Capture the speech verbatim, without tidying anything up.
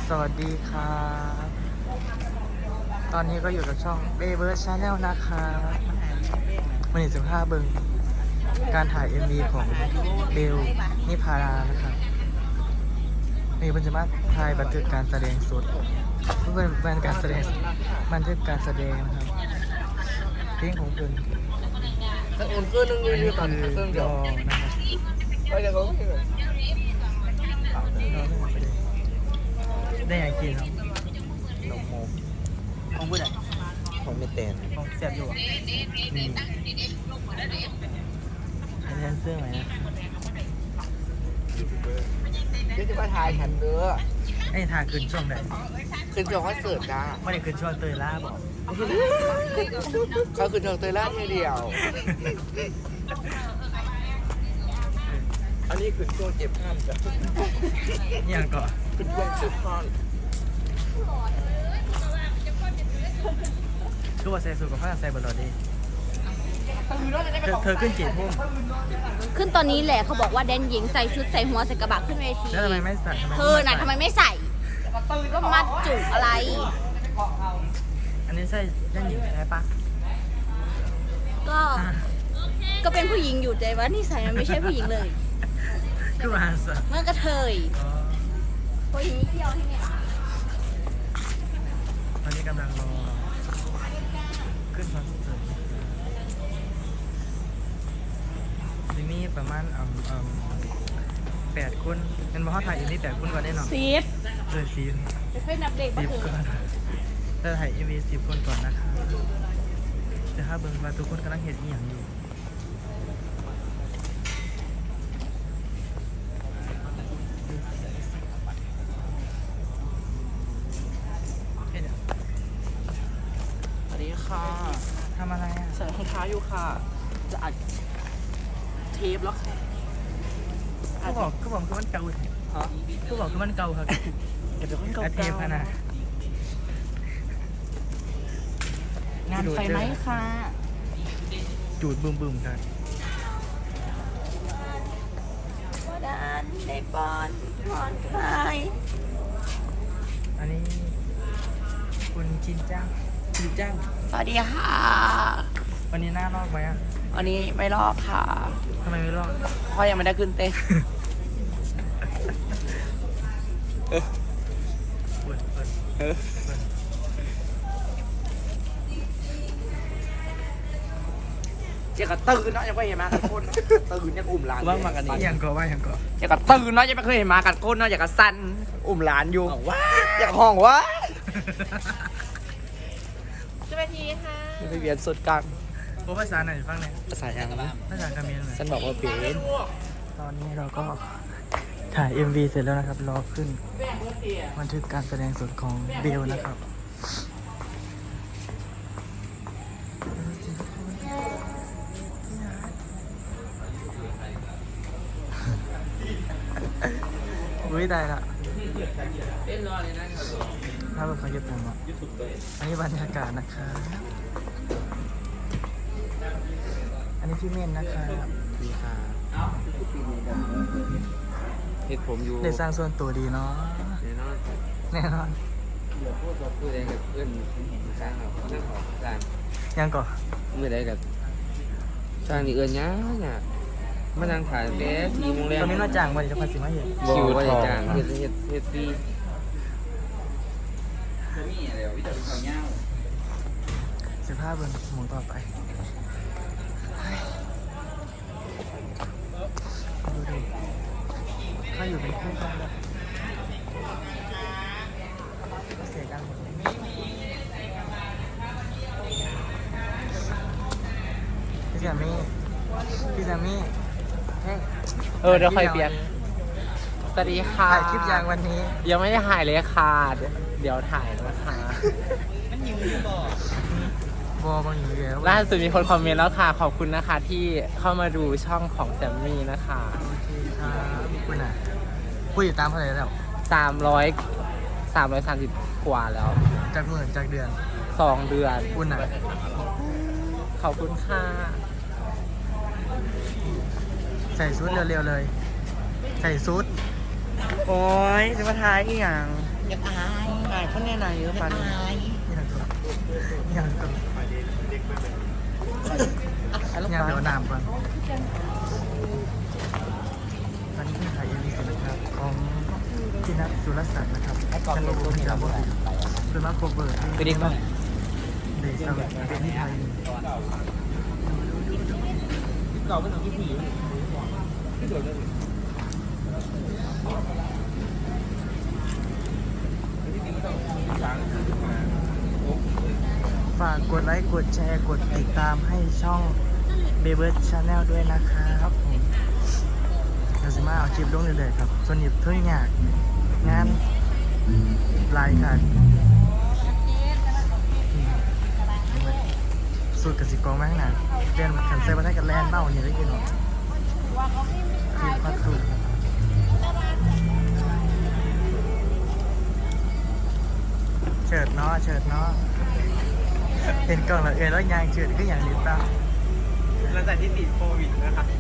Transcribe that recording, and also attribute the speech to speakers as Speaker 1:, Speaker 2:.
Speaker 1: สวัสดีครับตอนนี้ก็อยู่กับช่องเบเบิร์ดชาแนลนะครับวันนี้สิบห้าเบิงการถ่าย เอ็ม วี ของเบลนิพารานะครับนี่เป็นจะมาถ่ายบันทึกการแสดงสดเพื่อนเป็นการแสดงบันทึกการแสดงนะครับเพลงของเพิ่น
Speaker 2: ถ้าอุ่นเครื่องนึง
Speaker 1: อัน
Speaker 2: ยื
Speaker 1: นี้
Speaker 2: นก่อน
Speaker 1: คือ
Speaker 2: เครื่อง
Speaker 1: ร
Speaker 2: เดียว
Speaker 1: อนะครับ
Speaker 2: ไปเดี๋ยวเขาไม่เลย
Speaker 1: รอเรื่องประเด็นได้อย่างกินครับ
Speaker 2: นมโม
Speaker 1: ของผู้ใด
Speaker 2: ของไม่เต้น
Speaker 1: ของเสียบอยู่อ่ะมีอันนี้เสื้อไหมนะ
Speaker 2: เดี๋ยวจะมาถ่ายฉันเด้อ
Speaker 1: ไอ้ทาขึ้นช่วงไหน
Speaker 2: ขึ้นจอคอนเสิร์ตจ้า
Speaker 1: ไม่ได้ขึ้นช่วงเตยล่าบอก
Speaker 2: เขาขึ้นจอเตยล่าทีเดียว อันนี้ขึ้นช่วงเจ็บข้ามจ้ะ
Speaker 1: อย่างก่อน
Speaker 2: ขึ้นช่วงเจ็บข้าม
Speaker 1: คือว่าใส่สูทกับผ้าใส่บอลลอดดีเธอเธอขึ้นกี่ทุ่ม
Speaker 3: ขึ้นตอนนี้แหละเขาบอกว่าแดนหญิงใส่ชุดใส่หัวใส่กระบะขึ้นเวที
Speaker 1: แล้วทำไมไม่ใส่
Speaker 3: เธอน่ะทำไมไม่ใส่ก็มัดจุกอะไร
Speaker 1: อันนี้ใส่ด้านหญิงใช่ปะ
Speaker 3: ก็ก็เป็นผู้หญิงอยู่แต่ว่านี่ใส่มันไม่ใช่ผู้หญิงเลย
Speaker 1: คือมาสะ
Speaker 3: เมื่อกระเทยผู้หญิงเที่ยวที่เนี่ย
Speaker 1: ตอนนี้กำลังรอขึ้นคอนเสิร์ตทีนี้ประมาณอ่ำอ่ำแปดคนเป็นมอถ่ายอีกนี่แปดคนก่อนได้หรอ
Speaker 3: ซีด
Speaker 1: เออซีน
Speaker 3: จะค่อยนับเด็ก
Speaker 1: สิบ
Speaker 3: มา
Speaker 1: ก่
Speaker 3: ถึ
Speaker 1: อง นจะถ่ายเอ็มวีสิบคนก่อนนะคะจะถ้าเบิ่งว่าทุกคนกำลังเห็นอีหยังอยู่เฮ้ยเดี๋ยว
Speaker 2: สวัสดีค่ะ
Speaker 1: ทำอะไรอ่ะ
Speaker 2: ใส่รองเท้าอยู่ค่ะ จะอัดเทปแล้วค่ะ
Speaker 1: ก็บอกก็บอกคือมันเก่า
Speaker 2: ฮะ
Speaker 1: ก็บอกคือมันเก่าครับ
Speaker 2: เดี๋ยวเป็นคน
Speaker 1: อา
Speaker 2: เก่า
Speaker 1: เทปขนาด
Speaker 2: งานไฟไหมค่ะ
Speaker 1: จูดบึมบึมครับ
Speaker 3: ว่าดานในบอลบอลคลาย
Speaker 1: อันนี้คุณชินจ้างชินจ้าง
Speaker 2: สวัสดีค่ะ
Speaker 1: วันนี้หน้ารอบไหมอ่ะ
Speaker 2: วันนี้ไม่รอบค่ะ
Speaker 1: ทำไมไม่รอบ
Speaker 2: เพราะยังไม่ได้ขึ้นเต้น
Speaker 1: เปิดเปิดเปิด
Speaker 2: เจ้าก็ตื่นเนาะยังไม่เห็นมากันก้นเนาะตื่นยังอุ่มหลาน
Speaker 1: ว่างมากันนี่ยังก่อว่ายังก่อ
Speaker 2: เจ้าก็ตื่นเนาะยังไม่เคยเห็นมากันก้นเนาะอยากกระสั้นอุ่มหลานอยู่ว้าอยากห้องวะ
Speaker 3: สวัสดีค่ะ
Speaker 2: ไปเวียนสุดกลาง
Speaker 1: โอ้ภาษาไหนฟังเนี่ย
Speaker 2: ภาษาอย่างนะ
Speaker 1: ภาษาคาเขมรเลย
Speaker 2: ฉันบอกว่าเบน
Speaker 1: ตอนนี้เราก็ถ่าย เอ็ม วี เสร็จแล้วนะครับ รอขึ้นบันทึกการแสดงสดของเบลนะครับอุ้ยได้ละ
Speaker 2: เต้นรอเลยนะ
Speaker 1: ถ้าเป็นเขาเก็บผมอ่ะอันนี้บรรยากาศนะครับ อันนี้พี่เมนนะครับ
Speaker 2: ดีค่ะเห็ดผมอยู่
Speaker 1: ได้สร้างส่วนตัวดีเนาะ
Speaker 2: แน่นอน
Speaker 1: แน่นอน
Speaker 2: เดี๋ยวพูดกับพูดเองกับเพื่อนสร้างครับนั่งออกสร้าง
Speaker 1: ยังก่อน
Speaker 2: เมื่อใดกับสร้างนี่เอื้อนยากเนี่ยมานั่งถ่ายแต่สี่โมงแร
Speaker 1: ตอนนี้นอกจากวันจะพันสิมาเห็น
Speaker 2: คิวว่าจะจ้างเฮ็ดเฮ็ดเฮ็ดฟรี
Speaker 1: สิบห้าเบิร์นหมูต่อไปดูดิถ้าอยู่เป็นเพื่อนกันแบบเสียกันหมดเลยพี่แซมมี่พี่แซมมี่เฮ้ย
Speaker 2: เออเดี๋ยวค่อยเปลี่ยนสวัสดีค่ะ
Speaker 1: ถ่ายคลิปยางวันนี้
Speaker 2: ยังไม่ได้ถ่ายเลยค่ะเดี๋ยวเดี๋ยวถ่ายนะคะ
Speaker 1: บอบางอยู่แล้ว
Speaker 2: ล่าสุดมีคนคอมเมนต์แล้วค่ะ ขอบคุณนะคะที่เข้ามาดูช่องของแซมมี่นะคะ
Speaker 1: โอเคครับคุณอ่ะคุยอยู่ตามเท่าไหร่แล้ว
Speaker 2: สามร้อยสามร้อยสามสิบกว่าแล้ว
Speaker 1: จากหมื่นจากเดือน
Speaker 2: สองเดือน
Speaker 1: คุณอ่ะ
Speaker 2: ขอบคุณค่ะ
Speaker 1: ใส่ซูทเร็วๆเลย ใส่ซูทโอ้ยจะมาทายอีกอย่าง
Speaker 4: อยากอายอายเขาแน่นอนอยู่ปานอาย
Speaker 1: ยังก่อนยังก่อนยังเดี๋ยวน้ำก่อนวันนี้ที่ถ่ายเอ็มวีเสร็จนะครับของพี่นัทสุรศักดิ์นะครับฉันรู้ว่าพี่นัทบอกคือมาโคเวอร์ที่
Speaker 2: ไปดิป่ะ
Speaker 1: เดย์สวัสดิ์เป็นที่ไทยฝากกดไลค์กดแชร์กดติดตามให้ช่อง b e b e r Channel ด้วยนะครับผมเราจะมาเอาคลิปลงเรื่อยๆครับส่วนหยิบเท่ายากงานลายค่ะสูตรกสิกรมาข้างหน้าเรียนขันเซบันได้กับแลนเบ้าเนี่ยได้ยินหรอทีมพัดสูตรเฉิดเนาะเฉิดเนาะเห็นกล่องแล้วเอ็นแล้วยางเฉิดก็อย่างนี้ป่ะ
Speaker 4: หลังจากที่ติดโควิดนะครับ